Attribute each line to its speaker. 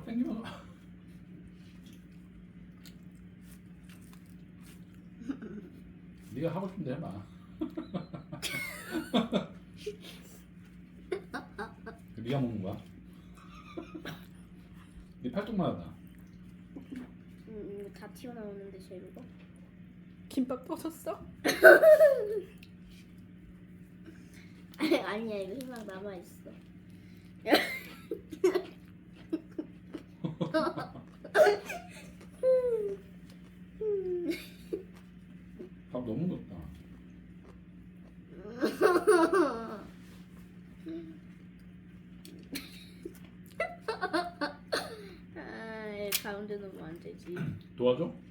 Speaker 1: 땡기면 네가 하고 싶은 데 해봐. 네가 먹는 거야? 네 팔뚝만 하다.
Speaker 2: 이거 다 튀어나오는데 재료가?
Speaker 3: 김밥 터졌어?
Speaker 2: 아니야 이거 희망 남아 있어.
Speaker 1: 밥 너무 넣었다.
Speaker 2: 아, 가운데 놓으면 안 되지.
Speaker 1: 도와줘?